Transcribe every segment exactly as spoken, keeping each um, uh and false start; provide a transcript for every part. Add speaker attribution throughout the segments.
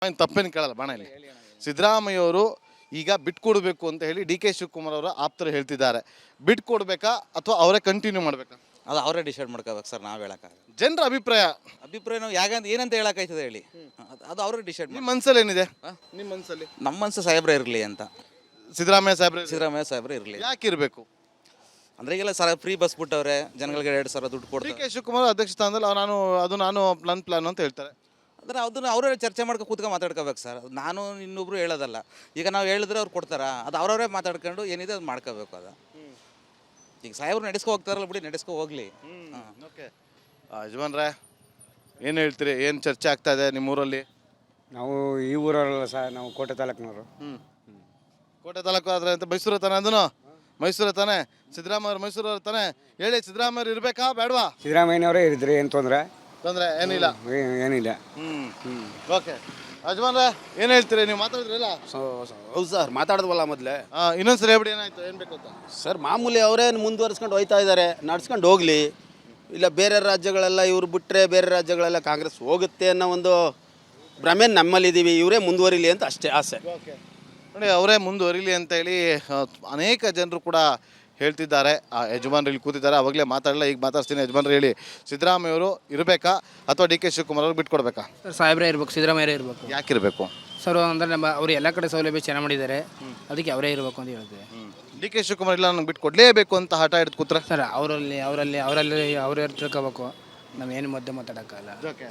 Speaker 1: ಏನು ತಪ್ಪೇನು ಕೇಳಲ್ಲ ಬಾಣ ಇಲ್ಲಿ. ಸಿದ್ದರಾಮಯ್ಯವರು ಈಗ ಬಿಟ್ಕೊಡ್ಬೇಕು ಅಂತ ಹೇಳಿ ಡಿ ಕೆ ಶಿವಕುಮಾರ್ ಅವರ ಆಪ್ತರು ಹೇಳ್ತಿದ್ದಾರೆ. ಬಿಟ್ಕೊಡ್ಬೇಕಾ ಅಥವಾ ಅವರೇ ಕಂಟಿನ್ಯೂ ಮಾಡಬೇಕಾ?
Speaker 2: ಅದು ಅವರೇ ಡಿಸೈಡ್ ಮಾಡ್ಕೋಬೇಕು ಸರ್, ನಾವು ಹೇಳೋಕ್ಕಾಗಲ್ಲ.
Speaker 1: ಜನರ ಅಭಿಪ್ರಾಯ
Speaker 2: ಅಭಿಪ್ರಾಯ ನಾವು ಯಾಗಂತ ಏನಂತ ಹೇಳೋಕ್ಕಾಯ್ತದೆ ಹೇಳಿ, ಅದು ಅವರೇ ಡಿಸೈಡ್
Speaker 1: ನಿಮ್ಮ ಮನಸ್ಸಲ್ಲಿ ಏನಿದೆ? ನಿಮ್ಮ ಮನಸ್ಸಲ್ಲಿ
Speaker 2: ನಮ್ಮ ಮನಸ್ಸು ಸಾಹೇಬ್ರೆ ಇರಲಿ ಅಂತ.
Speaker 1: ಸಿದ್ದರಾಮಯ್ಯ ಸಾಹೇಬ್ರೆ
Speaker 2: ಸಿದ್ದರಾಮಯ್ಯ ಸಾಹೇಬ್ರೆ ಇರಲಿ.
Speaker 1: ಯಾಕೆ ಇರಬೇಕು?
Speaker 2: ಅಂದರೆ ಈಗೆಲ್ಲ ಸರ್ ಫ್ರೀ ಬಸ್ ಬಿಟ್ಟವ್ರೆ, ಜನಗಳಿಗೆ ಎರಡು ಸಾವಿರ ದುಡ್ಡು
Speaker 1: ಡಿ
Speaker 2: ಕೊಡ್ತಾರೆ.
Speaker 1: ಕೆ ಶಿವಕುಮಾರ್ ಅಧ್ಯಕ್ಷ ಸ್ಥಾನದಲ್ಲಿ ಅವ್ರು ನಾನು ಅದು ನಾನು ಪ್ಲಾನ್ ಪ್ಲಾನ್ ಅಂತ ಹೇಳ್ತಾರೆ.
Speaker 2: ಅಂದರೆ ಅದನ್ನು ಅವರೇ ಚರ್ಚೆ ಮಾಡ್ಕೊಂಡು ಕೂತ್ಕೊಂಡು ಮಾತಾಡ್ಕೋಬೇಕು ಸರ್. ನಾನು ಇನ್ನೊಬ್ರು ಹೇಳೋದಲ್ಲ. ಈಗ ನಾವು ಹೇಳಿದ್ರೆ ಅವ್ರು ಕೊಡ್ತಾರ, ಅದು ಅವ್ರವರೇ ಮಾತಾಡ್ಕೊಂಡು ಏನಿದೆ ಅದು ಮಾಡ್ಕೋಬೇಕು. ಅದು ಈಗ ಸಾಹೇಬ್ರು ನಡೆಸ್ಕೊ ಹೋಗ್ತಾರಲ್ಲ ಬಿಡಿ, ನಡೆಸ್ಕೊ ಹೋಗ್ಲಿ.
Speaker 1: ಓಕೆ ಯಜಮಾನ್ರೆ ಏನು ಹೇಳ್ತೀರಿ? ಏನು ಚರ್ಚೆ ಆಗ್ತಾ ಇದೆ ನಿಮ್ಮೂರಲ್ಲಿ?
Speaker 3: ನಾವು ಈ ಊರಲ್ಲ ಸರ್, ನಾವು ಕೋಟೆ ತಾಲೂಕಿನವರು.
Speaker 1: ಹ್ಞೂ ಕೋಟೆ ತಾಲೂಕು ಆದರೆ ಅಂತ ಮೈಸೂರು ತಾನೆ? ಅದನ್ನು ಮೈಸೂರು ತಾನೆ? ಸಿದ್ದರಾಮಯ್ಯ ಮೈಸೂರು ತಾನೆ? ಹೇಳಿ, ಸಿದ್ದರಾಮಯ್ಯ ಇರಬೇಕಾ ಬೇಡವಾ?
Speaker 3: ಸಿದ್ದರಾಮಯ್ಯನವರೇ ಇರಿದ್ರಿ, ಏನು ತೊಂದರೆ
Speaker 1: ತೊಂದರೆ ಏನಿಲ್ಲ.
Speaker 3: ಏನಿಲ್ಲ.
Speaker 1: ಹ್ಞೂ ಹ್ಞೂ ಓಕೆ ಯಜಮಾನ್ರೆ ಏನು ಹೇಳ್ತೀರಿ? ನೀವು ಮಾತಾಡಿದ್ರಲ್ಲ?
Speaker 4: ಹೌದು ಸರ್, ಮಾತಾಡಿದ್ವಲ್ಲ ಮೊದಲೇ.
Speaker 1: ಹಾಂ ಇನ್ನೊಂದ್ಸರಿ ಹೇಳ್ಬಿಡಿ ಏನಾಯ್ತು, ಏನು ಬೇಕು ಅಂತ.
Speaker 4: ಸರ್ ಮಾಮೂಲಿ ಅವರೇ ಮುಂದುವರಿಸ್ಕೊಂಡು ಹೋಯ್ತಾ ಇದ್ದಾರೆ, ನಡ್ಸ್ಕೊಂಡು ಹೋಗಲಿ. ಇಲ್ಲ ಬೇರೆ ರಾಜ್ಯಗಳೆಲ್ಲ ಇವ್ರು ಬಿಟ್ಟರೆ ಬೇರೆ ರಾಜ್ಯಗಳೆಲ್ಲ ಕಾಂಗ್ರೆಸ್ ಹೋಗುತ್ತೆ ಅನ್ನೋ ಒಂದು ಭ್ರಮೆ ನಮ್ಮಲ್ಲಿದ್ದೀವಿ. ಇವರೇ ಮುಂದುವರಿಲಿ ಅಂತ ಅಷ್ಟೇ ಆಸೆ.
Speaker 1: ಓಕೆ ನೋಡಿ, ಅವರೇ ಮುಂದುವರಿಲಿ ಅಂತ ಹೇಳಿ ಅನೇಕ ಜನರು ಕೂಡ ಹೇಳ್ತಿದ್ದಾರೆ. ಆ ಯಜಮಾನ್ರು ಇಲ್ಲಿ ಕೂತಿದ್ದಾರೆ, ಅವಾಗಲೇ ಮಾತಾಡಲ್ಲ, ಈಗ ಮಾತಾಡ್ತೀನಿ. ಯಜಮಾನ್ರು ಹೇಳಿ, ಸಿದ್ದರಾಮಯ್ಯವರು ಇರಬೇಕಾ ಅಥವಾ ಡಿ ಕೆ ಶಿವಕುಮಾರ್ ಅವ್ರು ಬಿಟ್ಕೊಡ್ಬೇಕಾ?
Speaker 5: ಸರ್ ಸಾಹೇಬ್ರೇ ಇರಬೇಕು, ಸಿದ್ದರಾಮಯ್ಯ ಇರಬೇಕು.
Speaker 1: ಯಾಕಿರಬೇಕು
Speaker 5: ಸರ್ ಅಂದರೆ ನಮ್ಮ ಅವರು ಎಲ್ಲ ಕಡೆ ಸೌಲಭ್ಯ ಚೆನ್ನಾಗಿ ಮಾಡಿದ್ದಾರೆ, ಅದಕ್ಕೆ ಅವರೇ ಇರಬೇಕು ಅಂತ ಹೇಳ್ತೀವಿ.
Speaker 1: ಡಿ ಕೆ ಶಿವಕುಮಾರ್ ಇಲ್ಲ ನಂಗೆ ಬಿಟ್ಕೊಡ್ಲೇಬೇಕು ಅಂತ ಹಠ ಹಿಡಿದು ಕೂತ್ರೆ?
Speaker 5: ಸರ್ ಅವರಲ್ಲಿ ಅವರಲ್ಲಿ ಅವರಲ್ಲಿ ಅವರೇ ತಿಳ್ಕೋಬೇಕು, ನಾವು ಏನು ಮಧ್ಯೆ ಮಾತಾಡೋಕ್ಕಲ್ಲ.
Speaker 1: ಓಕೆ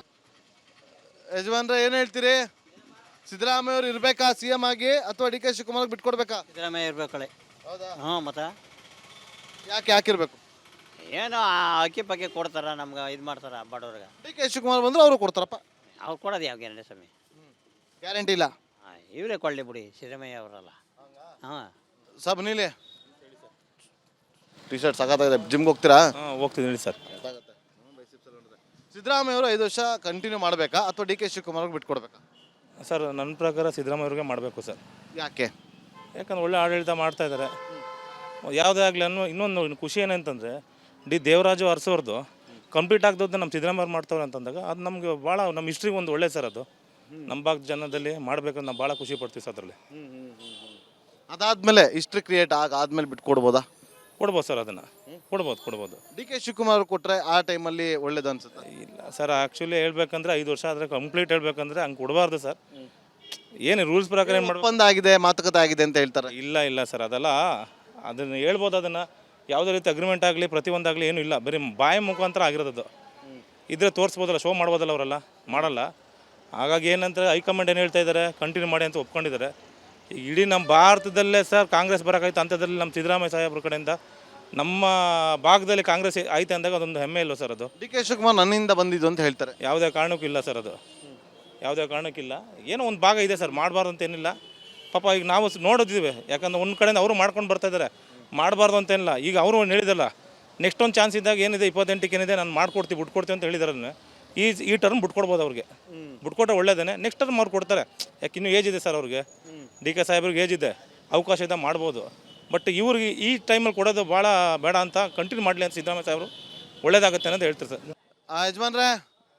Speaker 1: ಯಜಮಾನ್ರೆ ಏನು ಹೇಳ್ತೀರಿ? ಸಿದ್ದರಾಮಯ್ಯ ಅವರು ಇರಬೇಕಾ ಸಿ ಎಂ ಆಗಿ ಅಥವಾ ಡಿ ಕೆ ಶಿವಕುಮಾರ್ ಬಿಟ್ಕೊಡ್ಬೇಕಾ?
Speaker 6: ಸಿದ್ದರಾಮಯ್ಯ ಇರ್ಬೇಕಳೆ.
Speaker 7: ಹೌದಾ?
Speaker 6: ಹ್ಞೂ ಮತ್ತೆ
Speaker 1: ಯಾಕೆ ಯಾಕಿರ್ಬೇಕು?
Speaker 6: ಏನೋ ಅಕ್ಕಿ ಪಕ್ಕಿ ಕೊಡ್ತಾರ, ನಮ್ಗೆ ಇದು ಮಾಡ್ತಾರ ಬಡವ್ರಿಗೆ.
Speaker 1: ಡಿ ಕೆ ಶಿವಕುಮಾರ್ ಬಂದ್ರೆ ಅವರು ಕೊಡ್ತಾರಪ್ಪ.
Speaker 6: ಅವ್ರು ಕೊಡೋದು ಯಾವ ಗ್ಯಾರಂಟಿ ಸ್ವಾಮಿ?
Speaker 1: ಗ್ಯಾರಂಟಿ ಇಲ್ಲ.
Speaker 6: ಹಾಂ ಇವರೇ ಕೊಳ್ಳಿ ಬಿಡಿ, ಸಿದ್ದರಾಮಯ್ಯ ಅವರಲ್ಲ. ಹಾಂ
Speaker 1: ಸಬ್ ನೀಲಿ ಟಿ ಶರ್ಟ್ ಸಾಕಾಗಿದೆ. ಜಿಮ್ಗೆ ಹೋಗ್ತೀರಾ?
Speaker 8: ಹಾಂ ಹೋಗ್ತಿದ್ದೀನಿ ಸರ್.
Speaker 1: ಸಿದ್ದರಾಮಯ್ಯ ಅವರು ಐದು ವರ್ಷ ಕಂಟಿನ್ಯೂ ಮಾಡಬೇಕಾ ಅಥವಾ ಡಿ ಕೆ ಶಿವಕುಮಾರ್ ಅವ್ರಿಗೆ ಬಿಟ್ಕೊಡ್ಬೇಕಾ?
Speaker 8: ಸರ್ ನನ್ನ ಪ್ರಕಾರ ಸಿದ್ದರಾಮಯ್ಯ ಅವ್ರಿಗೆ ಮಾಡಬೇಕು ಸರ್.
Speaker 1: ಯಾಕೆ?
Speaker 8: ಯಾಕಂದ್ರೆ ಒಳ್ಳೆ ಆಡಳಿತ ಮಾಡ್ತಾ ಇದ್ದಾರೆ. ಯಾವುದೇ ಆಗಲಿ ಅನ್ನೋ ಇನ್ನೊಂದು ಖುಷಿ ಏನಂತಂದರೆ ಡಿ ದೇವರಾಜು ಅರಸೋರ್ದು ಕಂಪ್ಲೀಟ್ ಆಗದದ್ದು ನಮ್ಮ ಸಿದ್ದರಾಮಯ್ಯ ಮಾಡ್ತವ್ರೆ ಅಂತಂದಾಗ ಅದು ನಮಗೆ ಭಾಳ ನಮ್ಮ ಹಿಸ್ಟ್ರಿಗೆ ಒಂದು ಒಳ್ಳೆ ಸರ್. ಅದು ನಮ್ಮ ಭಾಗ ಜನದಲ್ಲಿ ಮಾಡಬೇಕಂತ ನಾವು ಭಾಳ ಖುಷಿ ಪಡ್ತೀವಿ ಸರ್. ಅದರಲ್ಲಿ
Speaker 1: ಅದಾದ್ಮೇಲೆ ಹಿಸ್ಟ್ರಿ ಕ್ರಿಯೇಟ್ ಆಗ ಆದ್ಮೇಲೆ ಬಿಟ್ಕೊಡ್ಬೋದಾ?
Speaker 8: ಕೊಡ್ಬೋದು ಸರ್, ಅದನ್ನು ಕೊಡ್ಬೋದು ಕೊಡ್ಬೋದು
Speaker 1: ಡಿ ಕೆ ಶಿವಕುಮಾರ್ ಕೊಟ್ಟರೆ ಆ ಟೈಮಲ್ಲಿ ಒಳ್ಳೇದು ಅನ್ಸುತ್ತೆ.
Speaker 8: ಇಲ್ಲ ಸರ್, ಆ್ಯಕ್ಚುಲಿ ಹೇಳ್ಬೇಕಂದ್ರೆ ಐದು ವರ್ಷ ಆದರೆ ಕಂಪ್ಲೀಟ್ ಹೇಳ್ಬೇಕಂದ್ರೆ ಹಂಗೆ ಕೊಡಬಾರ್ದು ಸರ್. ಏನು ರೂಲ್ಸ್ ಪ್ರಕಾರ ಏನು ಮಾಡ್ಬೇಕು?
Speaker 1: ಒಪ್ಪಂದ ಆಗಿದೆ, ಮಾತುಕತೆ ಆಗಿದೆ ಅಂತ ಹೇಳ್ತಾರೆ.
Speaker 8: ಇಲ್ಲ ಇಲ್ಲ ಸರ್, ಅದೆಲ್ಲ ಅದನ್ನು ಹೇಳ್ಬೋದು. ಅದನ್ನು ಯಾವುದೇ ರೀತಿ ಅಗ್ರಿಮೆಂಟ್ ಆಗಲಿ ಪ್ರತಿಯೊಂದಾಗಲಿ ಏನೂ ಇಲ್ಲ, ಬರೀ ಬಾಯಿ ಮುಖಾಂತರ ಆಗಿರೋದು. ಇದ್ರೆ ತೋರಿಸ್ಬೋದಲ್ಲ, ಶೋ ಮಾಡ್ಬೋದಲ್ಲ, ಅವರೆಲ್ಲ ಮಾಡಲ್ಲ. ಹಾಗಾಗಿ ಏನಂತ ಹೈಕಮಾಂಡ್ ಏನು ಹೇಳ್ತಾ ಇದ್ದಾರೆ, ಕಂಟಿನ್ಯೂ ಮಾಡಿ ಅಂತ ಒಪ್ಕೊಂಡಿದ್ದಾರೆ. ಈಗ ಇಡೀ ನಮ್ಮ ಭಾರತದಲ್ಲೇ ಸರ್ ಕಾಂಗ್ರೆಸ್ ಬರೋಕ್ಕಾಯ್ತು, ಅಂಥದ್ರಲ್ಲಿ ನಮ್ಮ ಸಿದ್ದರಾಮಯ್ಯ ಸಾಹೇಬ್ರ ಕಡೆಯಿಂದ ನಮ್ಮ ಭಾಗದಲ್ಲಿ ಕಾಂಗ್ರೆಸ್ ಐತೆ ಅಂದಾಗ ಅದೊಂದು ಹೆಮ್ಮೆ ಇಲ್ವ ಸರ್? ಅದು
Speaker 1: ಡಿ ಕೆ ಶಿವಕುಮಾರ್ ನನ್ನಿಂದ ಬಂದಿದ್ದು ಅಂತ ಹೇಳ್ತಾರೆ.
Speaker 8: ಯಾವುದೇ ಕಾರಣಕ್ಕೂ ಇಲ್ಲ ಸರ್, ಅದು ಯಾವುದೇ ಕಾರಣಕ್ಕಿಲ್ಲ. ಏನೋ ಒಂದು ಭಾಗ ಇದೆ ಸರ್, ಮಾಡಬಾರ್ದು ಅಂತ ಏನಿಲ್ಲ. ಪಾಪ ಈಗ ನಾವು ನೋಡಿದ್ದೀವಿ, ಯಾಕಂದ್ರೆ ಒಂದು ಕಡೆಯಿಂದ ಅವರು ಮಾಡ್ಕೊಂಡು ಬರ್ತಾಯಿದ್ದಾರೆ, ಮಾಡಬಾರ್ದು ಅಂತೇನಿಲ್ಲ. ಈಗ ಅವರು ಹೇಳಿದಲ್ಲ, ನೆಕ್ಸ್ಟ್ ಒಂದು ಚಾನ್ಸ್ ಇದ್ದಾಗ ಏನಿದೆ ಇಪ್ಪತ್ತೆಂಟಕ್ಕೆ ಏನಿದೆ ನಾನು ಮಾಡ್ಕೊಡ್ತೀವಿ ಬಿಟ್ಕೊಡ್ತೀವಿ ಅಂತ ಹೇಳಿದಾರೆ. ಈ ಈ ಟರ್ಮ್ ಬಿಟ್ಕೊಡ್ಬೋದು ಅವ್ರಿಗೆ, ಬಿಟ್ಕೊಟ್ರೆ ಒಳ್ಳೇದೇ. ನೆಕ್ಸ್ಟ್ ಟರ್ಮ್ ಅವ್ರು ಕೊಡ್ತಾರೆ, ಯಾಕೆ ಇನ್ನೂ ಏಜ್ ಇದೆ ಸರ್ ಅವ್ರಿಗೆ. ಡಿ ಕೆ ಸಾಹೇಬ್ರಿಗೆ ಏಜ್ ಇದೆ, ಅವಕಾಶ ಇದೆ, ಮಾಡ್ಬೋದು. ಬಟ್ ಇವ್ರಿಗೆ ಈ ಟೈಮಲ್ಲಿ ಕೊಡೋದು ಭಾಳ ಬೇಡ ಅಂತ ಕಂಟಿನ್ಯೂ ಮಾಡಲಿ ಅಂತ ಸಿದ್ದರಾಮಯ್ಯ ಸಾಹೇಬರು ಒಳ್ಳೇದಾಗುತ್ತೆ ಅಂತ ಹೇಳ್ತಾರೆ ಸರ್.
Speaker 1: ಆ ಯಜಮಾನ್ರೆ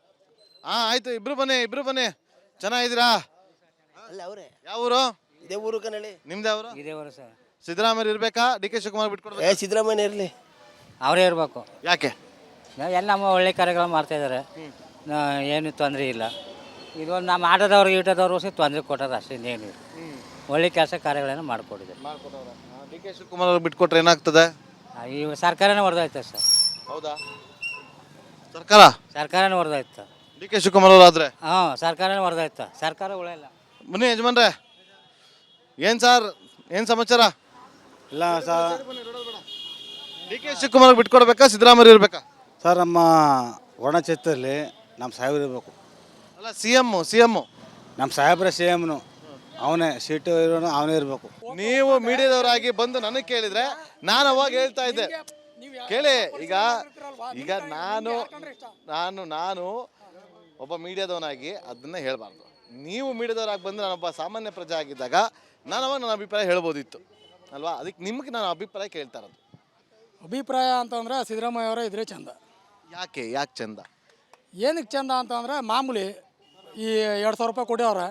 Speaker 1: ಹಾಂ ಆಯಿತು, ಇಬ್ರು ಬನ್ನಿ ಇಬ್ರು ಬನ್ನಿ. ಚೆನ್ನಾಗಿದ್ದೀರಾ?
Speaker 7: ಅಲ್ಲ ಅವರೇ
Speaker 1: ಯಾವ ಊರು?
Speaker 7: ಇದೇ ಊರು ಕಣಳಿ.
Speaker 1: ನಿಮ್ದು ಅವರು?
Speaker 5: ಇದೇ ಅವರು ಸರ್.
Speaker 1: ಸಿದ್ದರಾಮಯ್ಯ ಇರಬೇಕಾ ಡಿ ಕೆ ಶಿವಕುಮಾರ್ ಬಿಟ್ಕೊಡ್ಬೇಕು?
Speaker 7: ಏ ಸಿದ್ದರಾಮಯ್ಯ ಇರಲಿ.
Speaker 5: ಅವರೇ ಇರಬೇಕು.
Speaker 1: ಯಾಕೆ?
Speaker 5: ಎಲ್ಲ ನಮ್ಮ ಒಳ್ಳೆ ಕಾರ್ಯಗಳು ಮಾಡ್ತಾಯಿದ್ದಾರೆ, ಏನು ತೊಂದರೆ ಇಲ್ಲ. ಇದೊಂದು ನಮ್ಮ ಆಟೋದವ್ರು ಈಟೋದವ್ರು ಸಹ ತೊಂದರೆ ಕೊಟ್ಟೋದು ಅಷ್ಟೇ, ಇನ್ನೇನು ಒಳ್ಳೆ ಕೆಲಸ ಕಾರ್ಯಗಳನ್ನು ಮಾಡಿಕೊಟ್ಟಿದ್ದಾರೆ.
Speaker 1: ಡಿ ಕೆ ಶಿವಕುಮಾರ್ ಅವ್ರು ಬಿಟ್ಕೊಟ್ರೆ ಏನಾಗ್ತದೆ?
Speaker 5: ಈ ಸರ್ಕಾರನೇ ಹೊಡೆದೋಯ್ತು ಸರ್.
Speaker 1: ಹೌದಾ? ಸರ್ಕಾರ
Speaker 5: ಸರ್ಕಾರನೇ ಹೊಡೆದೋಯ್ತು.
Speaker 1: ಡಿ ಕೆ ಶಿವಕುಮಾರ್ ಅವರು ಆದ್ರೆ
Speaker 5: ಹಾಂ ಸರ್ಕಾರನೇ ಹೊಡೆದೋಯ್ತು, ಸರ್ಕಾರ ಉಳಿಯಲ್ಲ.
Speaker 1: ಬನ್ನಿ ಯಜಮಾನ್ರೆ, ಏನು ಸರ್ ಏನು ಸಮಾಚಾರ?
Speaker 3: ಇಲ್ಲ ಸರ್,
Speaker 1: ಡಿ ಕೆ ಶಿವಕುಮಾರ್ ಬಿಟ್ಕೊಡ್ಬೇಕಾ ಸಿದ್ದರಾಮಯ್ಯ ಇರಬೇಕಾ?
Speaker 3: ಸರ್ ನಮ್ಮ ವರ್ಣಚಿತ್ರದಲ್ಲಿ ನಮ್ಮ ಸಾಹೇಬ್ರು ಇರಬೇಕು.
Speaker 1: ಅಲ್ಲ ಸಿ ಎಮ್ಮು ಸಿ ಎಮ್ಮು
Speaker 3: ನಮ್ಮ ಸಾಹೇಬ್ರ ಸಿ ಎಮ್ನು ಅವನೇ, ಸೀಟು ಇರೋನು ಅವನೇ ಇರಬೇಕು.
Speaker 1: ನೀವು ಮೀಡಿಯಾದವರಾಗಿ ಬಂದು ನನಗೆ ಕೇಳಿದ್ರೆ ನಾನು ಅವಾಗ ಹೇಳ್ತಾ ಇದ್ದೆ, ಕೇಳಿ ಈಗ ಈಗ ನಾನು ನಾನು ನಾನು ಒಬ್ಬ ಮೀಡಿಯಾದವನಾಗಿ ಅದನ್ನ ಹೇಳಬಾರ್ದು. ನೀವು ಮೀಡಿಯಾದವರಾಗಿ ಬಂದು ನಾನೊಬ್ಬ ಸಾಮಾನ್ಯ ಪ್ರಜೆ ಆಗಿದ್ದಾಗ ನಾನು ಅವಾಗ ನನ್ನ ಅಭಿಪ್ರಾಯ ಹೇಳ್ಬೋದಿತ್ತು ಅಲ್ವಾ? ಅದಕ್ಕೆ ನಿಮ್ಗೆ ನಾನು ಅಭಿಪ್ರಾಯ ಕೇಳ್ತಾ ಇರೋದು.
Speaker 9: ಅಭಿಪ್ರಾಯ ಅಂತಂದ್ರೆ ಸಿದ್ದರಾಮಯ್ಯ ಅವರೇ ಇದ್ರೆ ಚಂದ.
Speaker 1: ಯಾಕೆ ಯಾಕೆ ಚಂದ?
Speaker 9: ಏನಕ್ಕೆ ಚಂದ ಅಂತಂದ್ರೆ ಮಾಮೂಲಿ ಈ ಎರಡು ಸಾವಿರ ರೂಪಾಯಿ ಕೊಡ್ಯವ್ರೆ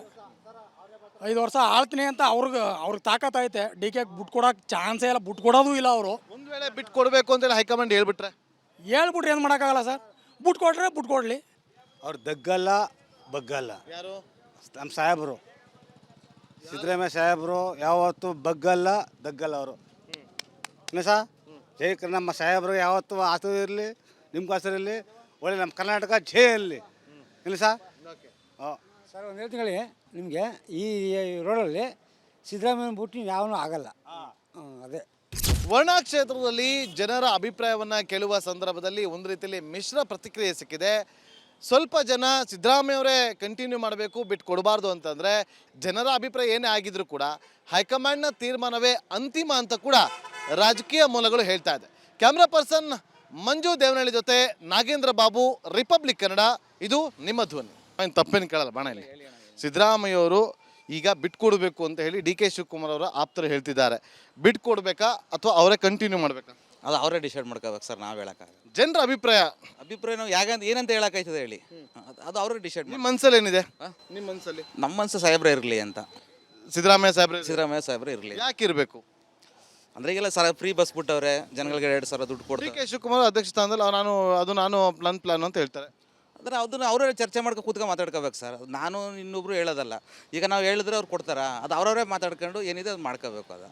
Speaker 9: ಐದು ವರ್ಷ ಆಳ್ತೀನಿ ಅಂತ ಅವ್ರಿಗೆ ಅವ್ರಿಗೆ ತಾಕತ್ತೈತೆ ಡಿ ಕೆ ಬಿಟ್ಟು ಕೊಡೋಕೆ ಚಾನ್ಸೇ ಇಲ್ಲ, ಬಿಟ್ಟು ಕೊಡೋದು ಇಲ್ಲ ಅವರು.
Speaker 1: ಒಂದು ವೇಳೆ ಬಿಟ್ಟು ಕೊಡಬೇಕು ಅಂತೇಳಿ ಹೈಕಮಾಂಡ್ ಹೇಳ್ಬಿಟ್ರೆ
Speaker 9: ಹೇಳ್ಬಿಟ್ರೆ ಏನು ಮಾಡೋಕ್ಕಾಗಲ್ಲ ಸರ್, ಬಿಟ್ಟು ಕೊಟ್ರೆ ಬಿಟ್ಟು ಕೊಡಲಿ.
Speaker 3: ಅವ್ರು ದಗ್ಗಲ್ಲ ಬಗ್ಗಲ್ಲ.
Speaker 1: ಯಾರು?
Speaker 3: ನಮ್ಮ ಸಾಹೇಬರು ಸಿದ್ದರಾಮಯ್ಯ ಸಾಹೇಬರು ಯಾವತ್ತೂ ಬಗ್ಗಲ್ಲ ದಗ್ಗಲ್ಲ ಅವರು. ಇಲ್ಲ ಸಾ ಜೈ ಕ- ನಮ್ಮ ಸಾಹೇಬರು ಯಾವತ್ತೂ ಆಸರು ಇರಲಿ, ನಿಮ್ಗೆ ಆಸರು ಇರಲಿ, ಒಳ್ಳೆ ನಮ್ಮ ಕರ್ನಾಟಕ ಜೈ ಇರಲಿ. ಇಲ್ಲ ಸಾ ಹಾಂ
Speaker 10: ಸರ್ ಒಂದು ಹೇಳ್ತೀನಿ ನಿಮಗೆ, ಈ ರೋಡಲ್ಲಿ ಸಿದ್ದರಾಮಯ್ಯನ ಬಿಟ್ಟು ಯಾವನೂ ಆಗಲ್ಲ. ಹ್ಮ್, ಅದೇ
Speaker 1: ವರ್ಣಾ ಕ್ಷೇತ್ರದಲ್ಲಿ ಜನರ ಅಭಿಪ್ರಾಯವನ್ನ ಕೇಳುವ ಸಂದರ್ಭದಲ್ಲಿ ಒಂದು ರೀತಿಯಲ್ಲಿ ಮಿಶ್ರ ಪ್ರತಿಕ್ರಿಯೆ ಸಿಕ್ಕಿದೆ. ಸ್ವಲ್ಪ ಜನ ಸಿದ್ದರಾಮಯ್ಯವರೇ ಕಂಟಿನ್ಯೂ ಮಾಡಬೇಕು, ಬಿಟ್ಟು ಕೊಡಬಾರ್ದು ಅಂತಂದರೆ ಜನರ ಅಭಿಪ್ರಾಯ ಏನೇ ಆಗಿದ್ರು ಕೂಡ ಹೈಕಮಾಂಡ್ನ ತೀರ್ಮಾನವೇ ಅಂತಿಮ ಅಂತ ಕೂಡ ರಾಜಕೀಯ ಮೂಲಗಳು ಹೇಳ್ತಾ ಇದೆ. ಕ್ಯಾಮ್ರಾ ಪರ್ಸನ್ ಮಂಜು ದೇವನಹಳ್ಳಿ ಜೊತೆ ನಾಗೇಂದ್ರ ಬಾಬು, ರಿಪಬ್ಲಿಕ್ ಕನ್ನಡ, ಇದು ನಿಮ್ಮ ಧ್ವನಿ. ಏನು ತಪ್ಪೇನು ಕೇಳಲ್ಲ ಬಾಣ. ಇಲ್ಲಿ ಸಿದ್ದರಾಮಯ್ಯವರು ಈಗ ಬಿಟ್ಕೊಡ್ಬೇಕು ಅಂತ ಹೇಳಿ ಡಿ ಕೆ ಶಿವಕುಮಾರ್ ಅವರ ಆಪ್ತರು ಹೇಳ್ತಿದ್ದಾರೆ. ಬಿಟ್ಕೊಡ್ಬೇಕಾ ಅಥವಾ ಅವರೇ ಕಂಟಿನ್ಯೂ ಮಾಡಬೇಕಾ?
Speaker 2: ಅದು ಅವರೇ ಡಿಸೈಡ್ ಮಾಡ್ಕೋಬೇಕು ಸರ್, ನಾವು ಹೇಳೋಕ್ಕಾಗಲ್ಲ.
Speaker 1: ಜನರ ಅಭಿಪ್ರಾಯ
Speaker 2: ಅಭಿಪ್ರಾಯ ನಾವು ಯಾಗಂತ ಏನಂತ ಹೇಳೋಕ್ಕಾಯ್ತದೆ ಹೇಳಿ, ಅದು- ಅದು ಅವರೇ ಡಿಸೈಡ್
Speaker 1: ನಿಮ್ಮ ಮನಸ್ಸಲ್ಲಿ ಏನಿದೆ? ನಿಮ್ಮ ಮನಸ್ಸಲ್ಲಿ
Speaker 2: ನಮ್ಮ ಮನಸ್ಸು ಸಾಹೇಬ್ರೆ ಇರಲಿ ಅಂತ.
Speaker 1: ಸಿದ್ದರಾಮಯ್ಯ ಸಾಹೇಬ್ರೆ
Speaker 2: ಸಿದ್ದರಾಮಯ್ಯ ಸಾಹೇಬ್ರೆ ಇರಲಿ.
Speaker 1: ಯಾಕೆ ಇರಬೇಕು?
Speaker 2: ಅಂದರೆ ಈಗೆಲ್ಲ ಸರ್ ಫ್ರೀ ಬಸ್ ಬಿಟ್ಟವ್ರೆ, ಜನಗಳಿಗೆ ಎರಡು ಸಾವಿರ ದುಡ್ಡು
Speaker 1: ಡಿ
Speaker 2: ಕೊಡ್ತಾರೆ.
Speaker 1: ಕೆ ಶಿವಕುಮಾರ್ ಅಧ್ಯಕ್ಷ ಸ್ಥಾನದಲ್ಲಿ ಅವ್ರು ನಾನು ಅದು ನಾನು ಪ್ಲಾನ್ ಪ್ಲಾನ್ ಅಂತ ಹೇಳ್ತಾರೆ.
Speaker 2: ಅಂದರೆ ಅದನ್ನ ಅವರೇ ಚರ್ಚೆ ಮಾಡ್ಕೊ ಕೂತ್ಕೊಂಡು ಮಾತಾಡ್ಕೋಬೇಕು ಸರ್. ನಾನು ಇನ್ನೊಬ್ರು ಹೇಳೋದಲ್ಲ. ಈಗ ನಾವು ಹೇಳಿದ್ರೆ ಅವ್ರು ಕೊಡ್ತಾರಾ? ಅದು ಅವರವರೇ ಮಾತಾಡ್ಕೊಂಡು ಏನಿದೆ ಅದು ಮಾಡ್ಕೋಬೇಕು. ಅದು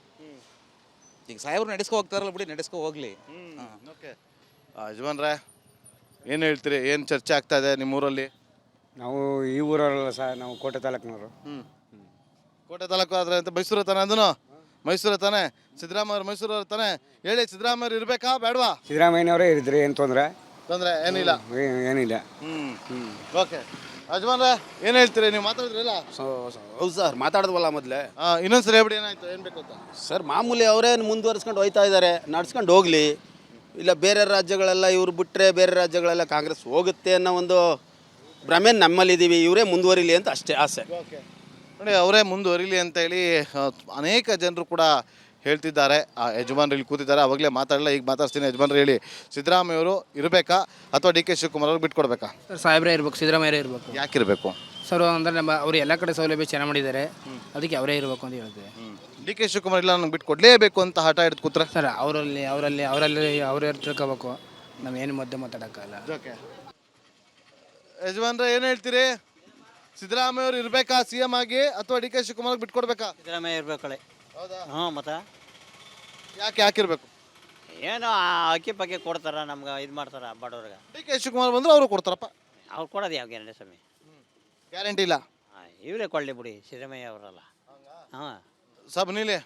Speaker 2: ಈಗ ಸಾಹೇಬ್ರು ನಡೆಸ್ಕೊ ಹೋಗ್ತಾರಲ್ಲ ಬಿಡಿ, ನಡೆಸ್ಕೊ ಹೋಗ್ಲಿ.
Speaker 1: ಓಕೆ ಯಜಮಾನ್ರೆ ಏನು ಹೇಳ್ತೀರಿ? ಏನು ಚರ್ಚೆ ಆಗ್ತಾ ಇದೆ ನಿಮ್ಮೂರಲ್ಲಿ?
Speaker 10: ನಾವು ಈ ಊರಲ್ಲ ಸರ್, ನಾವು ಕೋಟೆ ತಾಲೂಕಿನವರು.
Speaker 1: ಹ್ಞೂ ಕೋಟೆ ತಾಲೂಕು ಆದರೆ ಅಂತ ಮೈಸೂರು ತಾನೆ? ಅದನ್ನು ಮೈಸೂರು ತಾನೆ? ಸಿದ್ದರಾಮಯ್ಯ ಮೈಸೂರು ತಾನೆ? ಹೇಳಿ, ಸಿದ್ದರಾಮಯ್ಯ ಇರಬೇಕಾ ಬೇಡವಾ?
Speaker 10: ಸಿದ್ದರಾಮಯ್ಯನವರೇ ಇರಿದ್ರಿ, ಏನು ತೊಂದರೆ
Speaker 1: ತೊಂದರೆ ಏನಿಲ್ಲ.
Speaker 10: ಏನಿಲ್ಲ.
Speaker 1: ಹ್ಞೂ ಓಕೆ ಯಜಮಾನ್ರೆ ಏನು ಹೇಳ್ತೀರಿ? ನೀವು ಮಾತಾಡಿದ್ರಲ್ಲ.
Speaker 4: ಹೌದು ಸರ್, ಮಾತಾಡಿದ್ವಲ್ಲ ಮೊದಲೇ.
Speaker 1: ಹಾಂ ಇನ್ನೊಂದ್ಸರಿ ಹೇಳ್ಬಿಡಿ ಏನಾಯ್ತು, ಏನು ಬೇಕು ಅಂತ.
Speaker 4: ಸರ್ ಮಾಮೂಲಿ ಅವರೇನು ಮುಂದುವರಿಸ್ಕೊಂಡು ಹೋಯ್ತಾ ಇದ್ದಾರೆ, ನಡ್ಸ್ಕೊಂಡು ಹೋಗಲಿ. ಇಲ್ಲ ಬೇರೆ ರಾಜ್ಯಗಳೆಲ್ಲ ಇವ್ರು ಬಿಟ್ಟರೆ ಬೇರೆ ರಾಜ್ಯಗಳೆಲ್ಲ ಕಾಂಗ್ರೆಸ್ ಹೋಗುತ್ತೆ ಅನ್ನೋ ಒಂದು ಭ್ರಮೆ ನಮ್ಮಲ್ಲಿದ್ದೀವಿ. ಇವರೇ ಮುಂದುವರಿಲಿ ಅಂತ ಅಷ್ಟೇ ಆಸೆ.
Speaker 1: ಓಕೆ ನೋಡಿ, ಅವರೇ ಮುಂದುವರಿಲಿ ಅಂತ ಹೇಳಿ ಆ, ಅನೇಕ ಜನರು ಕೂಡ ಹೇಳ್ತಿದ್ದಾರೆ. ಆ ಯಜಮಾನ್ರು ಇಲ್ಲಿ ಕೂತಿದ್ದಾರೆ, ಅವಾಗಲೇ ಮಾತಾಡಲ್ಲ, ಈಗ ಮಾತಾಡ್ತೀನಿ. ಯಜಮಾನ್ರು ಹೇಳಿ, ಸಿದ್ದರಾಮಯ್ಯವರು ಇರಬೇಕಾ ಅಥವಾ ಡಿ ಕೆ ಶಿವಕುಮಾರ್ ಅವ್ರಿಗೆ ಬಿಟ್ಕೊಡ್ಬೇಕಾ?
Speaker 11: ಸರ್ ಸಾಹೇಬ್ರೇ ಇರ್ಬೇಕು, ಸಿದ್ದರಾಮಯ್ಯ ಇರಬೇಕು.
Speaker 1: ಯಾಕೆ ಇರಬೇಕು
Speaker 11: ಸರ್ ಅಂದರೆ ನಮ್ಮ ಅವರು ಎಲ್ಲ ಕಡೆ ಸೌಲಭ್ಯ ಚೆನ್ನಾಗಿ ಮಾಡಿದ್ದಾರೆ, ಅದಕ್ಕೆ ಅವರೇ ಇರಬೇಕು ಅಂತ ಹೇಳ್ತೀವಿ.
Speaker 1: ಡಿ ಕೆ ಶಿವಕುಮಾರ್ ಇಲ್ಲ ನನಗೆ ಬಿಟ್ಟು ಕೊಡಲೇಬೇಕು ಅಂತ ಹಠ ಹಿಡಿದು ಕೂತ್ರೆ?
Speaker 11: ಸರ್ ಅವರಲ್ಲಿ ಅವರಲ್ಲಿ ಅವರಲ್ಲಿ ಅವರೇ ತಿಳ್ಕೋಬೇಕು, ನಾವು ಏನು ಮಧ್ಯೆ ಮಾತಾಡೋಕ್ಕಲ್ಲ.
Speaker 1: ಓಕೆ ಯಜಮಾನ್ರೆ ಏನು ಹೇಳ್ತೀರಿ? ಸಿದ್ದರಾಮಯ್ಯ ಅವರು ಇರಬೇಕಾ ಸಿ ಎಂ ಆಗಿ ಅಥವಾ ಡಿ ಕೆ ಶಿವಕುಮಾರ್ ಬಿಟ್ಕೊಡ್ಬೇಕಾ?
Speaker 6: ಸಿದ್ದರಾಮಯ್ಯ ಇರ್ಬೇಕಳೆ.
Speaker 7: ಹೌದಾ?
Speaker 6: ಹ್ಞೂ ಮತ್ತೆ
Speaker 1: ಯಾಕೆ ಯಾಕೆ ಇರಬೇಕು?
Speaker 6: ಏನೋ ಆ ಅಕ್ಕಿ ಪಕ್ಕಿ ಕೊಡ್ತಾರ, ನಮ್ಗೆ ಇದು ಮಾಡ್ತಾರ ಬಡವ್ರಿಗೆ.
Speaker 1: ಡಿ ಕೆ ಶಿವಕುಮಾರ್ ಬಂದ್ರೆ ಅವರು ಕೊಡ್ತಾರಪ್ಪ.
Speaker 6: ಅವ್ರು ಕೊಡೋದು ಯಾವ ಗ್ಯಾರಂಟಿ ಸ್ವಾಮಿ?
Speaker 1: ಗ್ಯಾರಂಟಿ ಇಲ್ಲ.
Speaker 6: ಹಾಂ ಇವರೇ ಕೊಡಲಿ ಬಿಡಿ, ಸಿದ್ದರಾಮಯ್ಯ ಅವರಲ್ಲ. ಹಾಂ
Speaker 1: ಸಬ್ ನೀಲಿ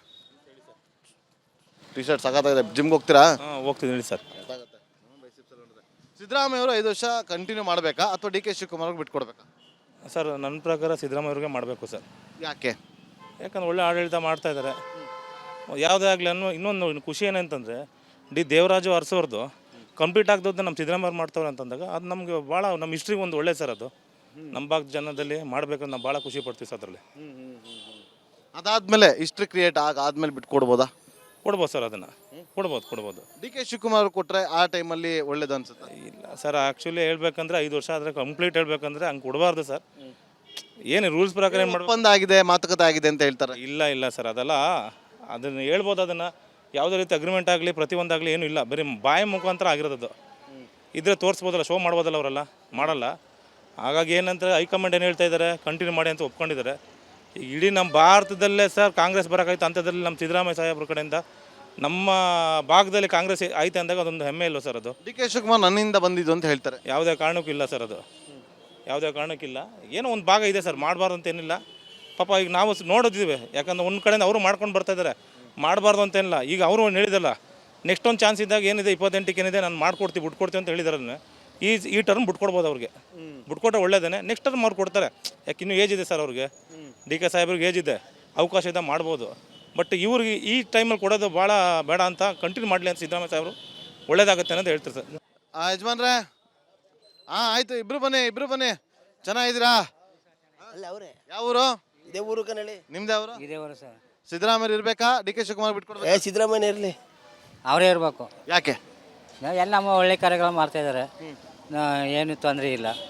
Speaker 1: ಟಿ ಶರ್ಟ್ ಸಾಕಾಗಿದೆ. ಜಿಮ್ಗೆ ಹೋಗ್ತೀರಾ?
Speaker 8: ಹಾಂ ಹೋಗ್ತಿದ್ದೀನಿ ಸರ್.
Speaker 1: ಸಿದ್ದರಾಮಯ್ಯ ಅವರು ಐದು ವರ್ಷ ಕಂಟಿನ್ಯೂ ಮಾಡಬೇಕಾ ಅಥವಾ ಡಿ ಕೆ ಶಿವಕುಮಾರ್ ಅವ್ರಿಗೆ ಬಿಟ್ಕೊಡ್ಬೇಕಾ?
Speaker 8: ಸರ್ ನನ್ನ ಪ್ರಕಾರ ಸಿದ್ದರಾಮಯ್ಯ ಅವ್ರಿಗೆ ಮಾಡಬೇಕು ಸರ್.
Speaker 1: ಯಾಕೆ?
Speaker 8: ಯಾಕಂದ್ರೆ ಒಳ್ಳೆ ಆಡಳಿತ ಮಾಡ್ತಾ ಇದ್ದಾರೆ. ಯಾವುದೇ ಆಗಲಿ ಅನ್ನೋ ಇನ್ನೊಂದು ಖುಷಿ ಏನಂತಂದರೆ, ಡಿ ದೇವರಾಜು ಅರಸೋರ್ದು ಕಂಪ್ಲೀಟ್ ಆಗದೋದನ್ನ ನಮ್ಮ ಸಿದ್ದರಾಮಯ್ಯ ಮಾಡ್ತವ್ರೆ ಅಂತಂದಾಗ ಅದು ನಮಗೆ ಭಾಳ ನಮ್ಮ ಹಿಸ್ಟ್ರಿಗೆ ಒಂದು ಒಳ್ಳೆ ಸರ್. ಅದು ನಮ್ಮ ಭಾಗದ ಜನದಲ್ಲಿ ಮಾಡಬೇಕಂತ ನಾವು ಭಾಳ ಖುಷಿ ಪಡ್ತೀವಿ ಸರ್. ಅದರಲ್ಲಿ
Speaker 1: ಅದಾದ್ಮೇಲೆ ಹಿಸ್ಟ್ರಿ ಕ್ರಿಯೇಟ್ ಆಗ ಆದ್ಮೇಲೆ ಬಿಟ್ಕೊಡ್ಬೋದಾ?
Speaker 8: ಕೊಡ್ಬೋದು ಸರ್, ಅದನ್ನು ಕೊಡ್ಬೋದು ಕೊಡ್ಬೋದು
Speaker 1: ಡಿ ಕೆ ಶಿವಕುಮಾರ್ ಅವ್ರು ಕೊಟ್ಟರೆ ಆ ಟೈಮಲ್ಲಿ ಒಳ್ಳೇದು ಅನ್ಸುತ್ತೆ.
Speaker 8: ಇಲ್ಲ ಸರ್, ಆ್ಯಕ್ಚುಲಿ ಹೇಳ್ಬೇಕಂದ್ರೆ ಐದು ವರ್ಷ ಆದರೆ ಕಂಪ್ಲೀಟ್ ಹೇಳ್ಬೇಕಂದ್ರೆ ಹಂಗೆ ಕೊಡಬಾರ್ದು ಸರ್. ಏನು ರೂಲ್ಸ್ ಪ್ರಕಾರ ಏನು ಮಾಡ್ಬೇಕು?
Speaker 1: ಒಪ್ಪಂದ ಆಗಿದೆ, ಮಾತುಕತೆ ಆಗಿದೆ ಅಂತ ಹೇಳ್ತಾರೆ.
Speaker 8: ಇಲ್ಲ ಇಲ್ಲ ಸರ್, ಅದೆಲ್ಲ ಅದನ್ನು ಹೇಳ್ಬೋದು. ಅದನ್ನು ಯಾವುದೇ ರೀತಿ ಅಗ್ರಿಮೆಂಟ್ ಆಗಲಿ ಪ್ರತಿಯೊಂದಾಗಲಿ ಏನೂ ಇಲ್ಲ, ಬರೀ ಬಾಯಿ ಮುಖಾಂತರ ಆಗಿರೋದು. ಇದ್ರೆ ತೋರಿಸ್ಬೋದಲ್ಲ, ಶೋ ಮಾಡ್ಬೋದಲ್ಲ, ಅವರೆಲ್ಲ ಮಾಡಲ್ಲ. ಹಾಗಾಗಿ ಏನಂತಾರೆ, ಹೈಕಮಾಂಡ್ ಏನು ಹೇಳ್ತಾ ಇದ್ದಾರೆ, ಕಂಟಿನ್ಯೂ ಮಾಡಿ ಅಂತ ಒಪ್ಕೊಂಡಿದ್ದಾರೆ. ಈಗ ಇಡೀ ನಮ್ಮ ಭಾರತದಲ್ಲೇ ಸರ್ ಕಾಂಗ್ರೆಸ್ ಬರೋಕ್ಕಾಯ್ತು ಅಂಥದ್ರಲ್ಲಿ ನಮ್ಮ ಸಿದ್ದರಾಮಯ್ಯ ಸಾಹೇಬ್ರ ಕಡೆಯಿಂದ ನಮ್ಮ ಭಾಗದಲ್ಲಿ ಕಾಂಗ್ರೆಸ್ ಐತೆ ಅಂದಾಗ ಅದೊಂದು ಹೆಮ್ಮೆ ಇಲ್ವ ಸರ್? ಅದು
Speaker 1: ಡಿ ಕೆ ಶಿವಕುಮಾರ್ ನನ್ನಿಂದ ಬಂದಿದ್ದು ಅಂತ ಹೇಳ್ತಾರೆ.
Speaker 8: ಯಾವುದೇ ಕಾರಣಕ್ಕೂ ಇಲ್ಲ ಸರ್, ಅದು ಯಾವುದೇ ಕಾರಣಕ್ಕಿಲ್ಲ. ಏನೋ ಒಂದು ಭಾಗ ಇದೆ ಸರ್, ಮಾಡಬಾರ್ದು ಅಂತ ಏನಿಲ್ಲ. ಪಾಪ ಈಗ ನಾವು ನೋಡೋದಿದ್ದೀವಿ, ಯಾಕಂದ್ರೆ ಒಂದು ಕಡೆಯಿಂದ ಅವರು ಮಾಡ್ಕೊಂಡು ಬರ್ತಾ ಇದ್ದಾರೆ, ಮಾಡಬಾರ್ದು ಅಂತೇನಿಲ್ಲ. ಈಗ ಅವರು ಒಂದು ಹೇಳಿದಲ್ಲ, ನೆಕ್ಸ್ಟ್ ಒಂದು ಚಾನ್ಸ್ ಇದ್ದಾಗ ಏನಿದೆ ಇಪ್ಪತ್ತೆಂಟಕ್ಕೆ ಏನಿದೆ ನಾನು ಮಾಡ್ಕೊಡ್ತೀವಿ ಬಿಟ್ಕೊಡ್ತೀವಿ ಅಂತ ಹೇಳಿದಾರೆ. ಈ ಈ ಟರ್ಮ್ ಬಿಟ್ಕೊಡ್ಬೋದು ಅವ್ರಿಗೆ, ಬಿಟ್ಕೊಟ್ರೆ ಒಳ್ಳೇದೇ. ನೆಕ್ಸ್ಟ್ ಟರ್ಮ್ ಅವ್ರು ಕೊಡ್ತಾರೆ, ಯಾಕೆ ಇನ್ನೂ ಏಜ್ ಇದೆ ಸರ್ ಅವ್ರಿಗೆ. ಡಿ ಕೆ ಸಾಹೇಬ್ರಿಗೆ ಏಜ್ ಇದೆ, ಅವಕಾಶ ಇದೆ, ಮಾಡ್ಬೋದು. ಬಟ್ ಇವ್ರಿಗೆ ಈ ಟೈಮಲ್ಲಿ ಕೊಡೋದು ಭಾಳ ಬೇಡ ಅಂತ ಕಂಟಿನ್ಯೂ ಮಾಡಲಿ ಅಂತ ಸಿದ್ದರಾಮಯ್ಯ ಸಾಹೇಬರು ಒಳ್ಳೇದಾಗುತ್ತೆ ಅನ್ನೋದು ಹೇಳ್ತಾರೆ ಸರ್.
Speaker 1: ಯಜಮಾನ್ರೆ ಹಾಂ ಆಯಿತು, ಇಬ್ರು ಬನ್ನಿ ಇಬ್ರು ಬನ್ನಿ. ಚೆನ್ನಾಗಿದ್ದೀರಾ?
Speaker 7: ಅಲ್ಲ ಅವರೇ
Speaker 1: ಯಾವ ಊರು?
Speaker 7: ಇದೇ ಊರು ಕನ್ನಡಿ.
Speaker 1: ನಿಮ್ದು ಯಾವ ಊರು?
Speaker 5: ಇದೇ ಊರು ಸರ್.
Speaker 1: ಸಿದ್ದರಾಮಯ್ಯ ಇರಬೇಕಾ ಡಿ ಕೆ ಶಿವಕುಮಾರ್ ಬಿಟ್ಕೊಡ್ಬೇಕು?
Speaker 7: ಏ ಸಿದ್ದರಾಮಯ್ಯ ಇರಲಿ.
Speaker 5: ಅವರೇ ಇರಬೇಕು.
Speaker 1: ಯಾಕೆ?
Speaker 5: ಎಲ್ಲ ನಮ್ಮ ಒಳ್ಳೆ ಕಾರ್ಯಗಳು ಮಾಡ್ತಾಯಿದ್ದಾರೆ, ಏನು ತೊಂದರೆ ಇಲ್ಲ.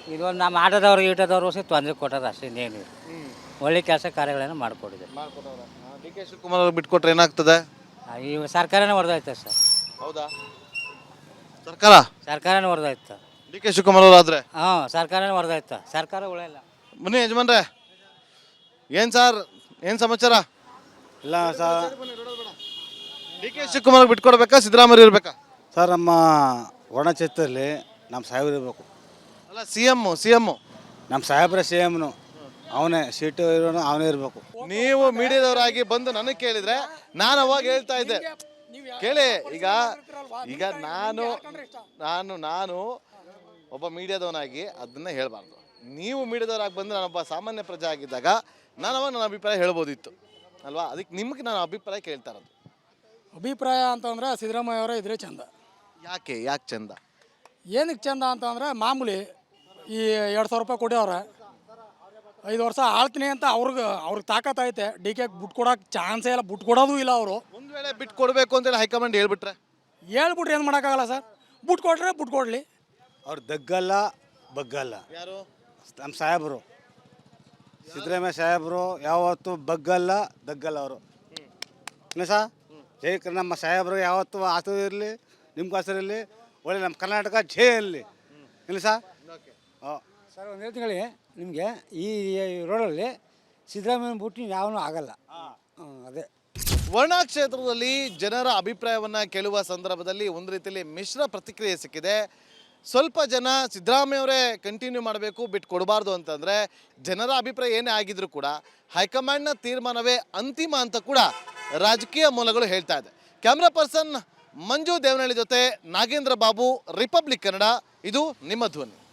Speaker 5: ಇದೊಂದು ನಮ್ಮ ಆಟೋದವ್ರಿಗೆ ಈಟೋದವ್ರು ಸಹ ತೊಂದರೆ ಕೊಟ್ಟದ ಅಷ್ಟೇ ಇನ್ನೇನು ಇಲ್ಲ. ಒಳ್ಳೆ ಕೆಲಸ ಕಾರ್ಯಗಳನ್ನು ಮಾಡಿಕೊಟ್ಟಿದೆ.
Speaker 1: ಡಿ ಕೆ ಶಿವಕುಮಾರ್ ಅವ್ರಿಗೆ ಬಿಟ್ಕೊಟ್ರೆ ಏನಾಗ್ತದೆ?
Speaker 5: ಈ ಸರ್ಕಾರನೇ ಹೊಡೆದೋಯ್ತು ಸರ್.
Speaker 1: ಹೌದಾ? ಸರ್ಕಾರ
Speaker 5: ಸರ್ಕಾರನೇ ಹೊಡೆದೋಯ್ತು.
Speaker 1: ಡಿ ಕೆ ಶಿವಕುಮಾರ್ ಅವರು ಆದ್ರೆ
Speaker 5: ಹಾಂ ಸರ್ಕಾರನೇ ಹೊಡೆದೋಯ್ತು. ಸರ್ಕಾರ ಉಳಿಯಲ್ಲ.
Speaker 1: ಬನ್ನಿ ಯಜಮಾನ್ರೆ, ಏನ್ ಸರ್ ಏನ್ ಸಮಾಚಾರ?
Speaker 3: ಇಲ್ಲ ಸರ್
Speaker 1: ಡಿ ಕೆ ಶಿವಕುಮಾರ್ ಬಿಟ್ಕೊಡ್ಬೇಕಾ ಸಿದ್ದರಾಮಯ್ಯ ಇರ್ಬೇಕಾ?
Speaker 3: ಸರ್ ನಮ್ಮ ಒಣಚಿತ್ತಲ್ಲಿ ನಮ್ಮ ಸಾಹೇಬ್ರು ಇರಬೇಕು.
Speaker 1: ಅಲ್ಲ ಸಿ ಎಮ್ ಸಿ ಎಮ್
Speaker 3: ನಮ್ಮ ಸಾಹೇಬ್ರ ಸಿ ಎಮ್ನು ಅವನೇ ಸೀಟು ಇರೋನು ಅವನೇ ಇರಬೇಕು.
Speaker 1: ನೀವು ಮೀಡಿಯಾದವರಾಗಿ ಬಂದು ನನಗೆ ಕೇಳಿದ್ರೆ ನಾನು ಅವಾಗ ಹೇಳ್ತಾ ಇದ್ದೆ, ಕೇಳಿ ಈಗ ಈಗ ನಾನು ನಾನು ನಾನು ಒಬ್ಬ ಮೀಡಿಯಾದವನಾಗಿ ಅದನ್ನ ಹೇಳಬಾರ್ದು. ನೀವು ಮೀಡಿಯಾದವರಾಗಿ ಬಂದು ನಾನೊಬ್ಬ ಸಾಮಾನ್ಯ ಪ್ರಜೆ ಆಗಿದ್ದಾಗ ನಾನು ಅವಾಗ ನನ್ನ ಅಭಿಪ್ರಾಯ ಹೇಳ್ಬೋದಿತ್ತು ಅಲ್ವಾ? ಅದಕ್ಕೆ ನಿಮ್ಗೆ ನಾನು ಅಭಿಪ್ರಾಯ ಕೇಳ್ತಾ ಇರೋದು.
Speaker 9: ಅಭಿಪ್ರಾಯ ಅಂತಂದ್ರೆ ಸಿದ್ದರಾಮಯ್ಯ ಅವರೇ ಇದ್ರೆ ಚಂದ.
Speaker 1: ಯಾಕೆ ಯಾಕೆ ಚಂದ?
Speaker 9: ಏನಕ್ಕೆ ಚಂದ ಅಂತಂದ್ರೆ ಮಾಮೂಲಿ ಈ ಎರಡು ಸಾವಿರ ರೂಪಾಯಿ ಕೊಡ್ಯವ್ರೆ, ಐದು ವರ್ಷ ಆಳ್ತೀನಿ ಅಂತ ಅವ್ರಿಗೆ ಅವ್ರಿಗೆ ತಾಕತ್ತೈತೆ. ಡಿ ಕೆ ಬಿಟ್ಟು ಕೊಡೋಕೆ ಚಾನ್ಸೇ ಇಲ್ಲ, ಬಿಟ್ಟು ಕೊಡೋದು ಇಲ್ಲ ಅವರು.
Speaker 1: ಒಂದು ವೇಳೆ ಬಿಟ್ಟು ಕೊಡಬೇಕು ಅಂತೇಳಿ ಹೈಕಮಾಂಡ್ ಹೇಳ್ಬಿಟ್ರೆ
Speaker 9: ಹೇಳ್ಬಿಟ್ರೆ ಏನು ಮಾಡೋಕ್ಕಾಗಲ್ಲ ಸರ್. ಬಿಟ್ಟು ಕೊಟ್ರೆ ಬಿಟ್ಟು ಕೊಡಲಿ.
Speaker 3: ಅವ್ರು ದಗ್ಗಲ್ಲ ಬಗ್ಗಲ್ಲ.
Speaker 1: ಯಾರು?
Speaker 3: ನಮ್ಮ ಸಾಹೇಬರು ಸಿದ್ದರಾಮಯ್ಯ ಸಾಹೇಬರು ಯಾವತ್ತೂ ಬಗ್ಗಲ್ಲ ದಗ್ಗಲ್ಲ ಅವರು. ಇಲ್ಲ ಸಾ ಜೈ ಕ- ನಮ್ಮ ಸಾಹೇಬ್ರಿಗೆ ಯಾವತ್ತೂ ಆಸು ಇರಲಿ, ನಿಮ್ಮ ಹೆಸರಿರಲಿ, ಒಳ್ಳೆ ನಮ್ಮ ಕರ್ನಾಟಕ ಜೈ ಇರಲಿ. ಇಲ್ಲ ಸಾ ಹಾಂ
Speaker 10: ಸರ್ ಒಂದು ಹೇಳ್ತೀನಿ ನಿಮಗೆ, ಈ ರೋಡಲ್ಲಿ ಸಿದ್ದರಾಮಯ್ಯ ಬಿಟ್ಟು ಯಾವನೂ ಆಗಲ್ಲ. ಹ್ಞೂ ಅದೇ
Speaker 1: ವರ್ಣಾ ಕ್ಷೇತ್ರದಲ್ಲಿ ಜನರ ಅಭಿಪ್ರಾಯವನ್ನ ಕೇಳುವ ಸಂದರ್ಭದಲ್ಲಿ ಒಂದು ರೀತಿಯಲ್ಲಿ ಮಿಶ್ರ ಪ್ರತಿಕ್ರಿಯೆ ಸಿಕ್ಕಿದೆ. ಸ್ವಲ್ಪ ಜನ ಸಿದ್ದರಾಮಯ್ಯ ಅವರೇ ಕಂಟಿನ್ಯೂ ಮಾಡಬೇಕು, ಬಿಟ್ಟು ಕೊಡಬಾರ್ದು ಅಂತಂದರೆ ಜನರ ಅಭಿಪ್ರಾಯ ಏನೇ ಆಗಿದ್ರು ಕೂಡ ಹೈಕಮಾಂಡ್ನ ತೀರ್ಮಾನವೇ ಅಂತಿಮ ಅಂತ ಕೂಡ ರಾಜಕೀಯ ಮೂಲಗಳು ಹೇಳ್ತಾ ಇದೆ. ಕ್ಯಾಮ್ರಾ ಪರ್ಸನ್ ಮಂಜು ದೇವನಹಳ್ಳಿ ಜೊತೆ ನಾಗೇಂದ್ರ ಬಾಬು, ರಿಪಬ್ಲಿಕ್ ಕನ್ನಡ, ಇದು ನಿಮ್ಮ ಧ್ವನಿ.